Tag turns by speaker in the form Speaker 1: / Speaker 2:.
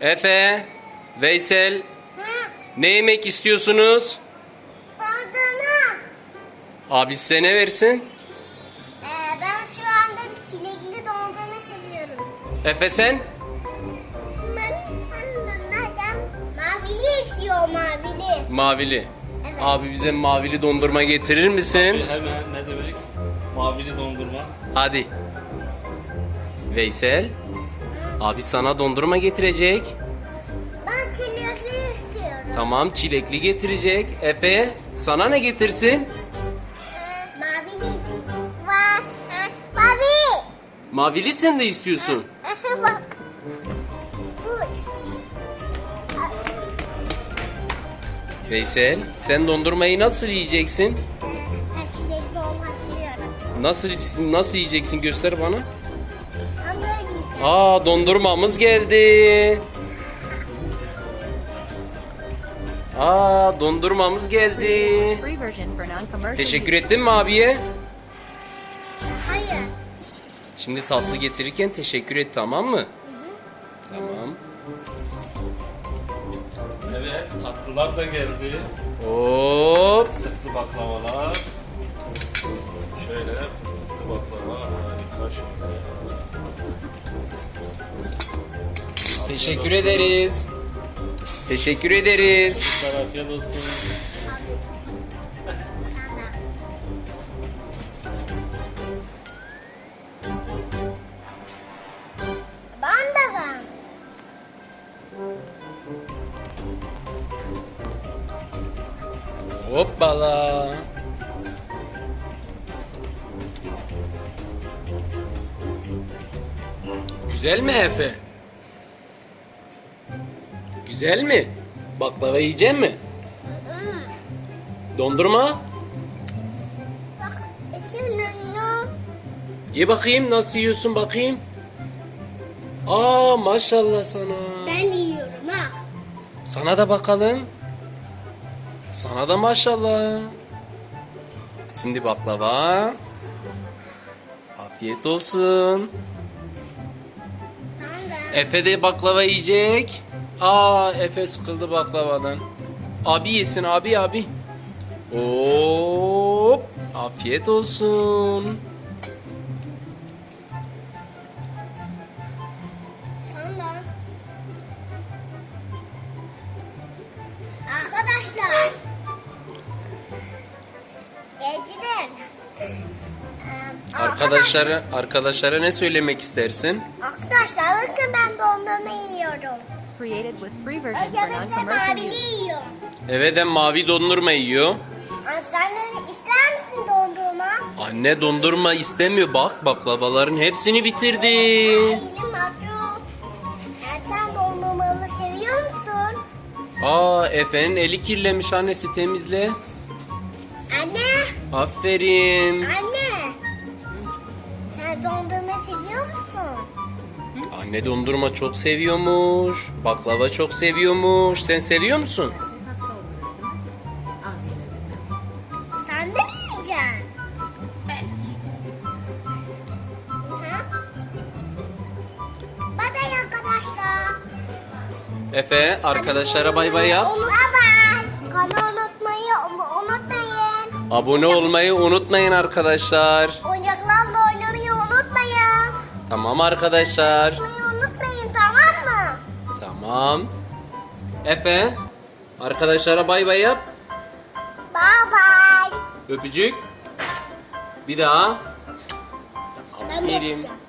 Speaker 1: Efe, Veysel,
Speaker 2: Ha,
Speaker 1: ne yemek istiyorsunuz?
Speaker 2: dondurma.
Speaker 1: Abi size ne versin?
Speaker 2: Ben şu anda çilekli dondurma seviyorum.
Speaker 1: Efe sen?
Speaker 2: Ben nereden? Mavili istiyor mavili.
Speaker 1: Mavili.
Speaker 2: Evet.
Speaker 1: Abi bize mavili dondurma getirir misin?
Speaker 3: Hemen ne demek? Mavili dondurma.
Speaker 1: Hadi. Veysel, abi sana dondurma getirecek.
Speaker 2: Ben çilekli istiyorum.
Speaker 1: Tamam, çilekli getirecek. Efe, sana ne getirsin?
Speaker 2: Mavili. Mavi.
Speaker 1: Mavili sen de istiyorsun.
Speaker 2: Bak. Kuş.
Speaker 1: Veysel, sen dondurmayı nasıl yiyeceksin?
Speaker 2: Ben çilekli olan biliyorum.
Speaker 1: Nasıl yiyeceksin, göster bana.
Speaker 2: Ben böyle yiyeceğim.
Speaker 1: Aa, dondurmamız geldi. Aa, dondurmamız geldi.
Speaker 4: Free version for non-commercial
Speaker 1: Teşekkür
Speaker 4: use.
Speaker 1: ettin mi abiye?
Speaker 2: Hayır.
Speaker 1: Şimdi tatlı getirirken teşekkür et, tamam mı? Tamam.
Speaker 3: Evet, tatlılar da geldi.
Speaker 1: Hop.
Speaker 3: Fıstıklı baklavalar. Şöyle fıstıklı baklava harika şimdi.
Speaker 1: Teşekkür ederiz. Teşekkür ederiz.
Speaker 3: Afiyet olsun.
Speaker 2: Ben de ben.
Speaker 1: Hoppala. Güzel mi Efe? Güzel mi? Baklava yiyecek mi? Dondurma?
Speaker 2: Bak üşümüyor.
Speaker 1: Ye bakayım, nasıl yiyorsun bakayım. Aa, maşallah sana.
Speaker 2: Ben de yiyorum ha.
Speaker 1: Sana da bakalım. Sana da maşallah. Şimdi baklava. Afiyet olsun.
Speaker 2: Ben de.
Speaker 1: Efe de baklava yiyecek. Aa, Efe sıkıldı baklavadan. Abi yesin, abi. Hop. Afiyet olsun.
Speaker 2: Sen de. Arkadaşlar. Geceden.
Speaker 1: Arkadaşlara ne söylemek istersin?
Speaker 2: Arkadaşlar bakın ben dondurma yiyorum.
Speaker 4: Created with free version for
Speaker 2: Özellikle
Speaker 4: non-commercial
Speaker 2: mavili
Speaker 4: use.
Speaker 2: yiyorum.
Speaker 1: Eve de mavi dondurma yiyor.
Speaker 2: Sen de ister misin dondurma?
Speaker 1: Anne dondurma istemiyor. Bak, baklavaların hepsini bitirdi.
Speaker 2: Elim acıyor. Sen dondurmalı seviyor musun?
Speaker 1: Aa, Efe'nin eli kirlenmiş, annesi temizle.
Speaker 2: Anne.
Speaker 1: Aferin.
Speaker 2: Anne. Sen dondurma seviyor musun?
Speaker 1: Anne dondurma çok seviyormuş. Baklava çok seviyormuş. Sen seviyor musun?
Speaker 2: Sen de mi yiyeceksin? Ha? Bye bye arkadaşlar.
Speaker 1: Efe, arkadaşlara bay bay yap.
Speaker 2: Bye bye. Kanalı unutmayı unutmayın.
Speaker 1: Abone olmayı unutmayın arkadaşlar.
Speaker 2: Oyuncaklarla oynamayı unutmayın.
Speaker 1: Tamam arkadaşlar.
Speaker 2: Çıkmayı unutmayın, tamam mı?
Speaker 1: Tamam. Efe, arkadaşlara bay bay yap.
Speaker 2: Bye bye.
Speaker 1: Öpücük. Bir daha.
Speaker 2: Ben de
Speaker 1: Aferin.
Speaker 2: yapacağım.